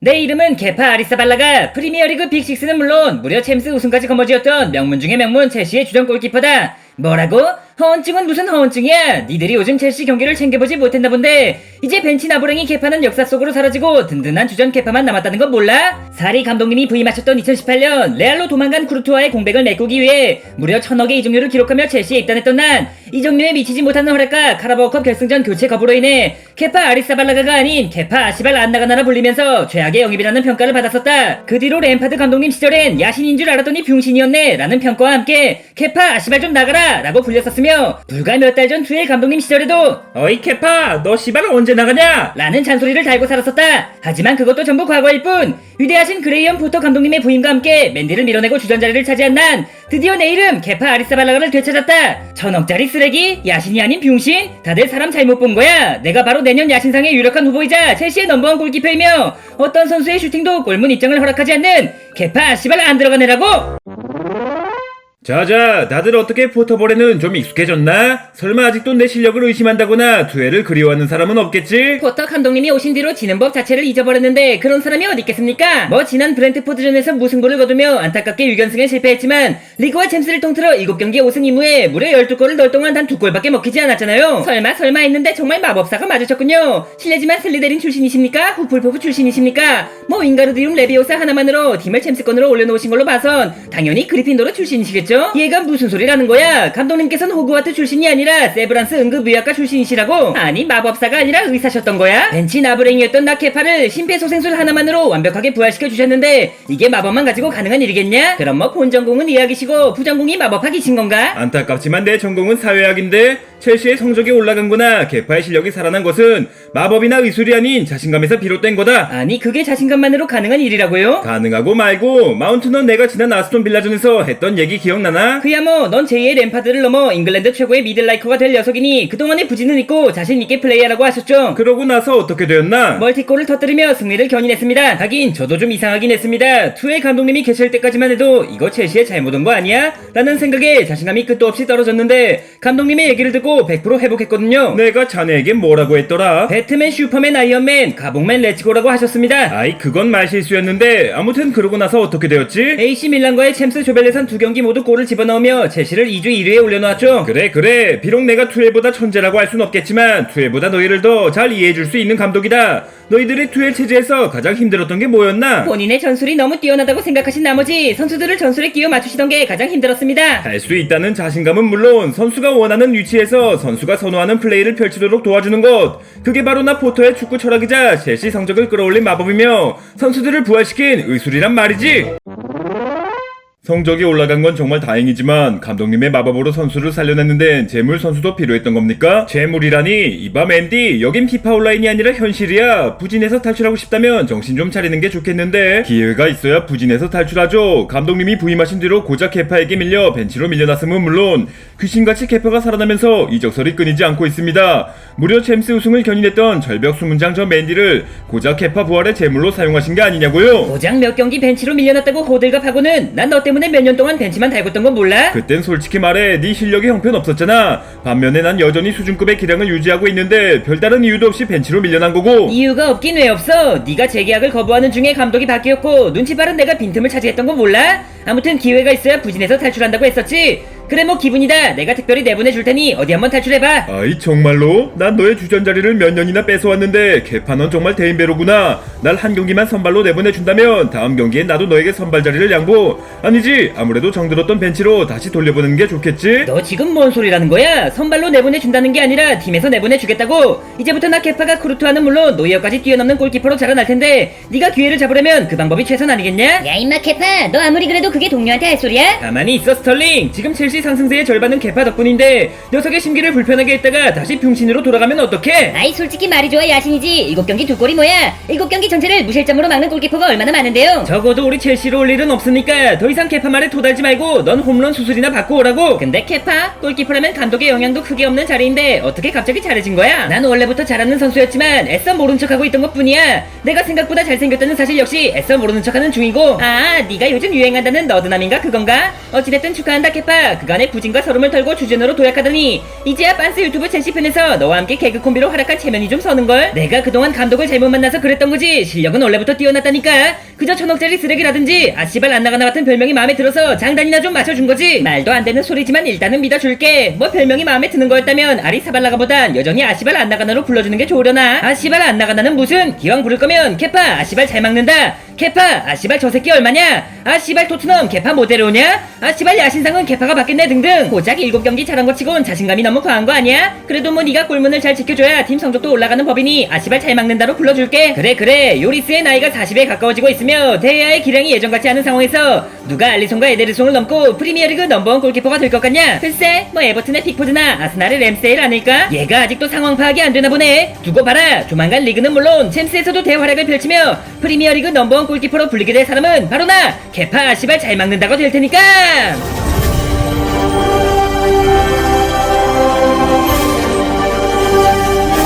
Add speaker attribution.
Speaker 1: 내 이름은 케파 아리사발라가 프리미어리그 빅6는 물론 무려 챔스 우승까지 거머쥐었던 명문 중의 명문 첼시의 주전 골키퍼다. 뭐라고? 허언증은 무슨 허언증이야? 니들이 요즘 첼시 경기를 챙겨보지 못했나 본데 이제 벤치 나부랭이 케파는 역사 속으로 사라지고 든든한 주전 케파만 남았다는 건 몰라? 사리 감독님이 부임하셨던 2018년 레알로 도망간 쿠르투아의 공백을 메꾸기 위해 무려 1000억의 이적료를 기록하며 첼시에 입단했던 난 이적료에 미치지 못하는 허락과 카라바오컵 결승전 교체 거부로 인해 케파 아리사발라가가 아닌 케파 아시발 안나가나라 불리면서 최악의 영입이라는 평가를 받았었다. 그 뒤로 램파드 감독님 시절엔 야신인 줄 알았더니 병신이었네 라는 평가와 함께 케파 아시발 좀 나가라 라고 불렸었으며 불과 몇 달 전 투엘 감독님 시절에도 어이 케파 너 시발 언제 나가냐 라는 잔소리를 달고 살았었다. 하지만 그것도 전부 과거일 뿐 위대하신 그레이엄 포터 감독님의 부임과 함께 맨디를 밀어내고 주전 자리를 차지한 난 드디어 내 이름 케파 아리사발라가를 되찾았다. 1000억짜리 쓰레기? 야신이 아닌 병신? 다들 사람 잘못 본 거야. 내가 바로 내년 야신상의 유력한 후보이자 첼시의 넘버원 골키퍼이며 어떤 선수의 슈팅도 골문 입장을 허락하지 않는 케파 아시발 안 들어가네라고.
Speaker 2: 자자, 다들 어떻게 포터볼에는 좀 익숙해졌나? 설마 아직도 내 실력을 의심한다거나 투애를 그리워하는 사람은 없겠지?
Speaker 1: 포터 감독님이 오신 뒤로 지는 법 자체를 잊어버렸는데 그런 사람이 어디 있겠습니까? 뭐 지난 브렌트포드전에서 무승부를 거두며 안타깝게 6연승에 실패했지만 리그와 챔스를 통틀어 7경기 5승 2무에 무려 12골을 넣을 동안 단 2골밖에 먹히지 않았잖아요. 설마 했는데 정말 마법사가 맞으셨군요. 실례지만 슬리데린 출신이십니까? 후풀포프 출신이십니까? 뭐 윙가르디움 레비오사 하나만으로 팀을 챔스권으로 올려놓으신 걸로 봐선 당연히 그리핀도르 출신이시겠죠? 얘가 무슨 소리라는 거야? 감독님께서는 호그와트 출신이 아니라 세브란스 응급의학과 출신이시라고? 아니 마법사가 아니라 의사셨던 거야? 벤치 나부랭이였던 나케파를 심폐소생술 하나만으로 완벽하게 부활시켜 주셨는데 이게 마법만 가지고 가능한 일이겠냐? 그럼 뭐 본전공은 의학이시고 부전공이 마법학이신 건가?
Speaker 2: 안타깝지만 내 전공은 사회학인데 첼시의 성적이 올라간거나 케파의 실력이 살아난 것은 마법이나 의술이 아닌 자신감에서 비롯된 거다.
Speaker 1: 아니 그게 자신감만으로 가능한 일이라고요?
Speaker 2: 가능하고 말고 마운트는 내가 지난 아스톤 빌라전에서 했던 얘기 기억나나?
Speaker 1: 그야 뭐 넌 제2의 램파드를 넘어 잉글랜드 최고의 미들라이커가 될 녀석이니 그동안의 부진은 있고 자신있게 플레이하라고 하셨죠.
Speaker 2: 그러고 나서 어떻게 되었나?
Speaker 1: 멀티골을 터뜨리며 승리를 견인했습니다. 하긴 저도 좀 이상하긴 했습니다. 투엘 감독님이 계실 때까지만 해도 이거 첼시의 잘못 온 거 아니야? 라는 생각에 자신감이 끝도 없이 떨어졌는데 감독님의 얘기를 듣고 100% 회복했거든요.
Speaker 2: 내가 자네에게 뭐라고 했더라?
Speaker 1: 배트맨, 슈퍼맨, 아이언맨, 가봉맨, 렛츠고라고 하셨습니다.
Speaker 2: 아이 그건 말실수였는데 아무튼 그러고 나서 어떻게 되었지?
Speaker 1: AC 밀란과의 챔스 조별예선 2경기 모두 골을 집어넣으며 첼시를 2주 1위에 올려놓았죠.
Speaker 2: 그래 비록 내가 투엘보다 천재라고 할 순 없겠지만 투엘보다 너희를 더 잘 이해해줄 수 있는 감독이다. 너희들이 투엘 체제에서 가장 힘들었던 게 뭐였나?
Speaker 1: 본인의 전술이 너무 뛰어나다고 생각하신 나머지 선수들을 전술에 끼워 맞추시던 게 가장 힘들었습니다.
Speaker 2: 할 수 있다는 자신감은 물론 선수가 원하는 위치에서 선수가 선호하는 플레이를 펼치도록 도와주는 것, 그게 바로 나 포터의 축구 철학이자 첼시 성적을 끌어올린 마법이며 선수들을 부활시킨 의술이란 말이지. 성적이 올라간 건 정말 다행이지만 감독님의 마법으로 선수를 살려냈는데 재물 선수도 필요했던 겁니까? 재물이라니 이봐 맨디, 여긴 피파 온라인이 아니라 현실이야. 부진에서 탈출하고 싶다면 정신 좀 차리는 게 좋겠는데. 기회가 있어야 부진에서 탈출하죠. 감독님이 부임하신 뒤로 고작 케파에게 밀려 벤치로 밀려났음은 물론 귀신같이 케파가 살아나면서 이적설이 끊이지 않고 있습니다. 무려 챔스 우승을 견인했던 절벽 수문장 저 맨디를 고작 케파 부활의 재물로 사용하신 게 아니냐고요?
Speaker 1: 고작 몇 경기 벤치로 밀려났다고 호들갑하고는 난 너 때문에 몇 년 동안 벤치만 달궜던 건 몰라?
Speaker 2: 그땐 솔직히 말해 네 실력이 형편없었잖아. 반면에 난 여전히 수준급의 기량을 유지하고 있는데 별다른 이유도 없이 벤치로 밀려난 거고.
Speaker 1: 이유가 없긴 왜 없어? 네가 재계약을 거부하는 중에 감독이 바뀌었고 눈치 빠른 내가 빈틈을 차지했던 건 몰라? 아무튼 기회가 있어야 부진에서 탈출한다고 했었지. 그래 뭐 기분이다. 내가 특별히 내보내줄 테니 어디 한번 탈출해봐.
Speaker 2: 아이 정말로? 난 너의 주전 자리를 몇 년이나 뺏어왔는데 개파 넌 정말 대인배로구나. 날 한 경기만 선발로 내보내준다면 다음 경기엔 나도 너에게 선발 자리를 양보. 아니지, 아무래도 정들었던 벤치로 다시 돌려보내는 게 좋겠지?
Speaker 1: 너 지금 뭔 소리라는 거야? 선발로 내보내준다는 게 아니라 팀에서 내보내주겠다고. 이제부터 나 케파가 크루트와는 물론 노이어까지 뛰어넘는 골키퍼로 자라날 텐데 네가 기회를 잡으려면 그 방법이 최선 아니겠냐?
Speaker 3: 야 임마 케파, 너 아무리 그래도 그게 동료한테 할 소리야?
Speaker 1: 가만히 있어 스털링. 지금 첼시 상승세의 절반은 케파 덕분인데 녀석의 심기를 불편하게 했다가 다시 병신으로 돌아가면 어떡해?
Speaker 3: 아이 솔직히 말이 좋아 야신이지. 7경기 2골이 뭐야? 7경기 전체를 무실점으로 막는 골키퍼가 얼마나 많은데요?
Speaker 1: 적어도 우리 첼시로 올 일은 없으니까 더 이상 케파 말에 토달지 말고 넌 홈런 수술이나 받고 오라고. 근데 케파? 골키퍼라면 감독의 영향도 크게 없는 자리인데 어떻게 갑자기 잘해진 거야? 난 원래부터 잘하는 선수였지만 애써 모른 척하고 있던 것뿐이야. 내가 생각보다 잘생겼다는 사실 역시 애써 모르는 척하는 중이고. 아 네가 요즘 유행한다는 너드남인가 그건가? 어찌됐든 축하한다 케파. 그간의 부진과 서름을 털고 주전으로 도약하더니 이제야 빤스 유튜브 첼시 편에서 너와 함께 개그 콤비로 활약한 체면이 좀 서는걸. 내가 그동안 감독을 잘못 만나서 그랬던 거지 실력은 원래부터 뛰어났다니까. 그저 1000억짜리 쓰레기라든지 아씨발 안나가나 같은 별명이 마음에 들어서 장단이나 좀 맞춰준 거지. 말도 안 되는 소리지만 일단은 믿어줄게. 뭐 별명이 마음에 드는 거였다면 아리사발라가보단 여전히 아씨발 안나가나로 불러주는 게 좋으려나. 아씨발 안나가나는 무슨, 기왕 부를 거면 케파 아씨발 잘 막는다, 케파 아씨발 저 새끼 얼마냐, 아씨발 토트넘 케파 못 데려오냐, 아씨발 야신상은 케파가 받겠네 등등. 고작 7경기 잘한 것 치곤 자신감이 너무 과한 거 아니야? 그래도 뭐 네가 골문을 잘 지켜줘야 팀 성적도 올라가는 법이니 아씨발 잘 막는다로 불러줄게. 그래 요리스의 나이가 40에 가까워지고 있으며 대야의 기량이 예전 같지 않은 상황에서 누가 알리송과 에데르송을 넘고 프리미어리그 넘버원 골키퍼가 될 것 같냐? 글쎄 뭐 에버튼의 픽포드나 아스날의 램세일 아닐까? 얘가 아직도 상황 파악이 안 되나 보네. 두고 봐라. 조만간 리그는 물론 챔스에서도 대활약을 펼치며 프리미어리그 넘버원 골키퍼로 불리게 될 사람은 바로 나 케파 아씨발 잘 막는다고 될 테니까.